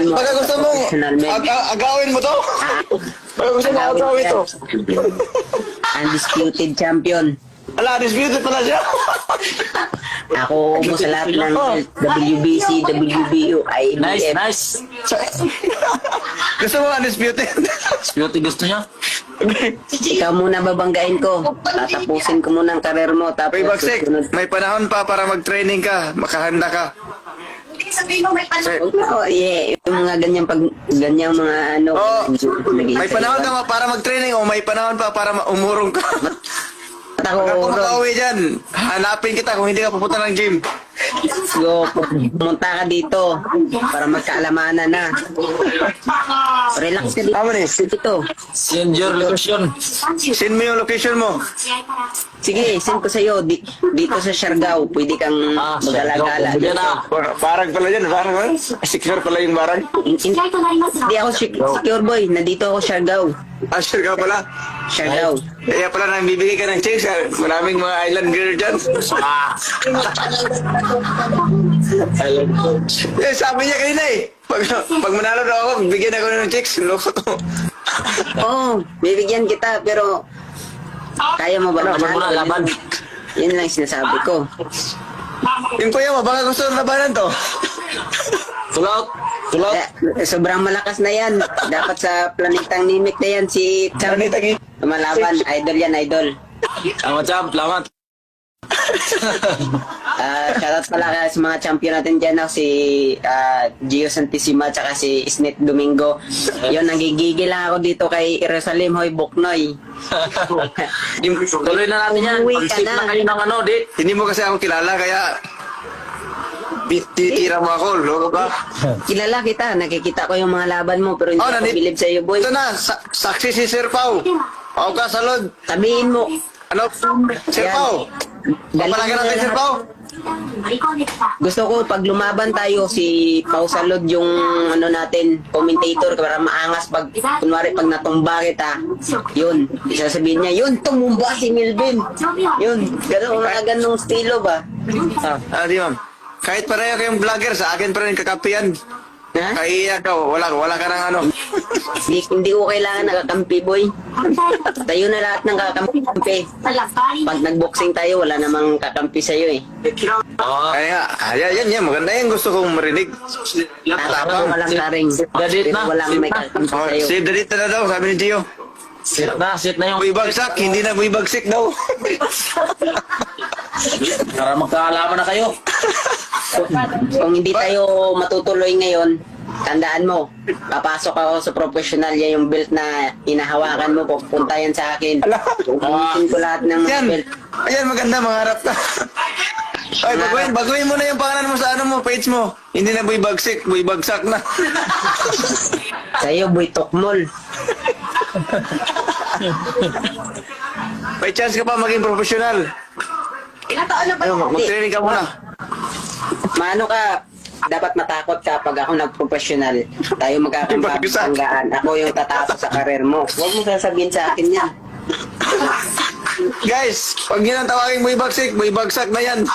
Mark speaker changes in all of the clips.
Speaker 1: mo.
Speaker 2: Baka gusto mong agawin mo to? Baka gusto mong agawin to?
Speaker 1: Undisputed champion.
Speaker 2: Ala, disputed pala siya.
Speaker 1: Ako mo sa lahat ng WBC, WBO, IBF.
Speaker 3: Nice.
Speaker 2: Gusto mo undisputed?
Speaker 3: Beauty gusto niya.
Speaker 1: Ikaw muna babanggain ko. Tatapusin ko muna ang karir mo. Tapos
Speaker 2: Uy, Bagsik,
Speaker 1: susunod.
Speaker 2: may panahon pa para mag-training ka. Makahanda ka. Sir,
Speaker 1: Oh, yeah. Yung mga ganyang mga ano.
Speaker 2: Oh,
Speaker 1: nag-iisa
Speaker 2: may panahon
Speaker 1: iba.
Speaker 2: ka para mag-training o may panahon pa para umurong ka.
Speaker 1: Ako,
Speaker 2: Pagka makauwi dyan, hanapin kita kung hindi ka pupunta ng gym.
Speaker 1: so, pumunta ka dito para magkaalamanan na. Relax ka dito.
Speaker 2: Tama ni.
Speaker 1: Dito.
Speaker 3: Send your location.
Speaker 2: Send mo yung location mo.
Speaker 1: Sige, send ko sa'yo. Dito sa Siargao, pwede kang mag-alagala.
Speaker 3: Yan na.
Speaker 2: Barang pala dyan, barang pala. Secure pala yung barang.
Speaker 1: Hindi ako secure boy. Nandito ako Siargao.
Speaker 2: Ah, sure ka pala.
Speaker 1: Siargao.
Speaker 2: Kaya pala nang bibigay ka ng chicks, maraming mga island girl dyan. Eh, sabi niya kanina eh. Pag manalo daw ako, bigyan ako ng chicks. Loko to.
Speaker 1: Oo, bibigyan kita pero kaya mo ba
Speaker 3: Laban mo na, laban.
Speaker 1: Yun lang sinasabi ko.
Speaker 2: Yung kuya mo, baka gusto ng labanan to.
Speaker 3: Tulot. Tulot.
Speaker 1: Sobrang malakas na yan. Dapat sa planetang Nimik na yan si Champ. Lumalaban. Idol yan, idol.
Speaker 3: Salamat, champ. Salamat.
Speaker 1: Shoutout pala kaya sa mga champion natin dyan, si Gio Santissima tsaka si Snit Domingo. Yun, nagigigil lang ako dito kay Jerusalem Hoy Buknoy.
Speaker 3: Tuloy na natin yan.
Speaker 1: Uwi ka
Speaker 3: Pag-sip
Speaker 1: na.
Speaker 3: na kayo ng ano, dit.
Speaker 2: Hindi mo kasi ako kilala, kaya titira mo ako, loko ka.
Speaker 1: Kilala kita, nakikita ko yung mga laban mo pero hindi
Speaker 2: Oh,
Speaker 1: ako bilib sa'yo, boy.
Speaker 2: Ito na, saksi si Sir Pau. Pau ka, salod.
Speaker 1: Sabihin mo,
Speaker 2: Ano? Sir
Speaker 1: Yan.
Speaker 2: Pau. Papalaga natin, Sir Pau.
Speaker 1: gusto ko pag lumaban tayo si Pau Salod yung ano natin commentator para maangas pag kunwari pag natumba kita yun sasabihin niya yun tumumba si Milvin yun gano'n mga ganong estilo ba
Speaker 2: Di ma'am. Kahit pareho kayong vlogger, sa akin pa rin kakapian.
Speaker 1: ha?
Speaker 2: Kaya ka, wala ka ng ano.
Speaker 1: Hindi ko kailangan nakakampi boy tayo na lahat ng kakampi pag nagboxing tayo wala namang kakampi sa'yo eh
Speaker 3: Oo.
Speaker 2: Kaya nga, yan, maganda yan. Gusto kong marinig.
Speaker 1: tatapang walang karing
Speaker 3: Dadit
Speaker 1: pero
Speaker 3: na.
Speaker 1: walang may kakampi
Speaker 2: Oh,
Speaker 1: sa'yo
Speaker 2: save the date na daw, sabi ni Gio.
Speaker 3: Sit na yung...
Speaker 2: Buibagsak, hindi na buibagsik daw.
Speaker 3: Para magkaalaman na kayo.
Speaker 1: Kung hindi tayo matutuloy ngayon, tandaan mo, papasok ako sa professional, yan yung belt na hinahawakan mo, pupunta yan sa akin. Pupuntin ko lahat ng mga
Speaker 2: Yan.
Speaker 1: belt.
Speaker 2: Ayan, maganda, mangarap ka. Ay, baguhin mo na yung pangalan mo sa ano mo, page mo. Hindi na buibagsik, buibagsak na.
Speaker 1: Sa'yo, boy, tokmol.
Speaker 2: May chance ka pa maging professional. Mag-training ka muna.
Speaker 1: Maano ka, dapat matakot ka pag ako nag-professional. Tayo magkakambanggaan. Ako yung tatapos sa karir mo. Huwag mo sasabihin sa akin yan.
Speaker 2: Guys, pag yun ang tawagin buibagsak na yan.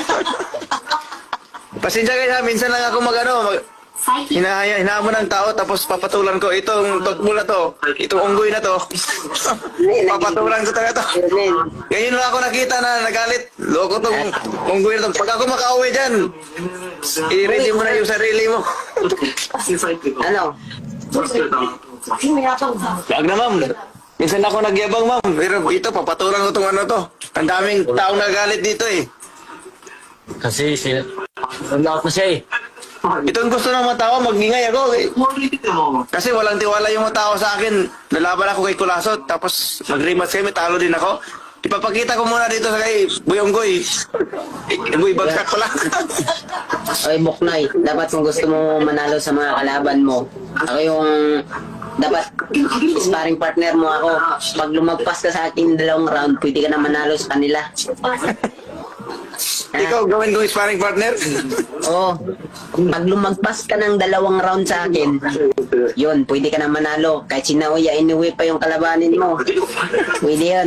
Speaker 2: Pasensya guys ha, minsan lang ako hinahamo ng tao tapos papatulan ko itong tokbo na to, itong unggoy na to. Papatulan ko talaga to. Ngayon lang ako nakita na nagalit. Loko tong unggoy na to. Pag ako makauwi dyan, i-ready mo na yung sarili mo.
Speaker 1: Ano?
Speaker 2: Wag na ma'am. Minsan ako nagyabang ma'am. Pero ito, papatulan ko tong ano to. Ang daming taong nagalit dito eh.
Speaker 3: Kasi lahat na siya eh.
Speaker 2: Itong gusto ng mga tao, magingay ako eh. Kasi walang tiwala yung mga tao sa akin. Nalaban ako kay Kulasot, tapos mag-rematch kami, talo din ako. Ipapakita ko muna dito sa kay Buyonggoy. Boy, bagsak ko lang.
Speaker 1: Oy, Buknoy, dapat kung gusto mo manalo sa mga kalaban mo, ako yung dapat sparring partner mo ako. Pag lumagpas ka sa akin 2 round, pwede ka na manalo sa kanila.
Speaker 2: Ikaw gawin kong sparring partner?
Speaker 1: Oo. Pag lumagpas ka ng 2 round sa akin, yun, pwede ka na manalo. Kahit si Naoya, inuwi pa yung kalabanin mo. Pwede yan.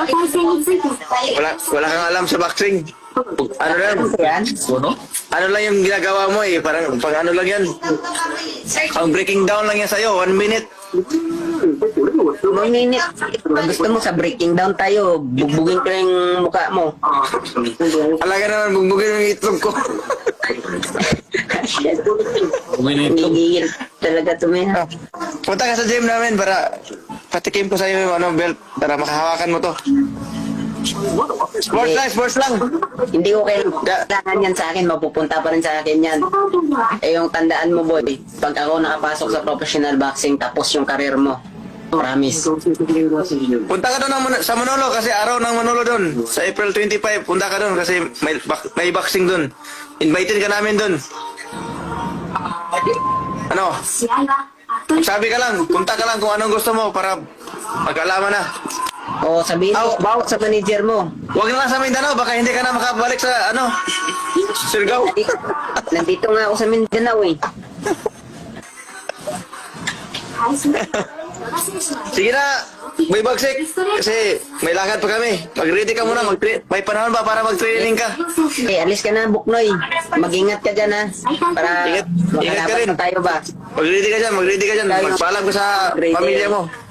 Speaker 2: Wala kang alam sa boxing. Ano lang?
Speaker 1: Yan.
Speaker 3: Ano?
Speaker 2: Ano lang yung ginagawa mo eh. Parang pang ano lang yan. Ang breaking down lang yan sa'yo. 1 minute.
Speaker 1: Minute. Pag gusto mo sa breaking down tayo, bugbugin ko yung mukha mo.
Speaker 2: Alaga naman, bugbugin yung itlog ko.
Speaker 1: Gigigil talaga tumiha.
Speaker 2: Punta ka sa gym namin para patikim ko sa'yo yung ano, belt. Para makahawakan mo to. Sports lang.
Speaker 1: Hindi ko kailangan yan sa akin, mapupunta pa rin sa akin yan. Eh yung tandaan mo boy, pag ako nakapasok sa professional boxing, tapos yung karir mo. Promise.
Speaker 2: Punta ka doon sa Manolo kasi araw ng Manolo doon. Sa April 25, punta ka doon kasi may boxing doon. Invited ka namin doon. Ano? Sabi ka lang, punta ka lang kung anong gusto mo para magkaalaman na.
Speaker 1: O sabihin mo, bawat sa manager mo.
Speaker 2: Huwag na lang sa Mindanao, baka hindi ka na makabalik sa ano, Surigao.
Speaker 1: Nandito nga ako sa Mindanao eh.
Speaker 2: Sige na, may bagsik. Kasi may lakad pa kami. Mag-ready ka muna, may panahon ba para mag-training ka?
Speaker 1: Eh, alis ka na, Buknoy. Mag-ingat ka dyan ha. Para
Speaker 2: Ingat ka rin.
Speaker 1: makalaban na tayo ba?
Speaker 2: Mag-ready ka dyan. Magpaalam ka sa pamilya mo.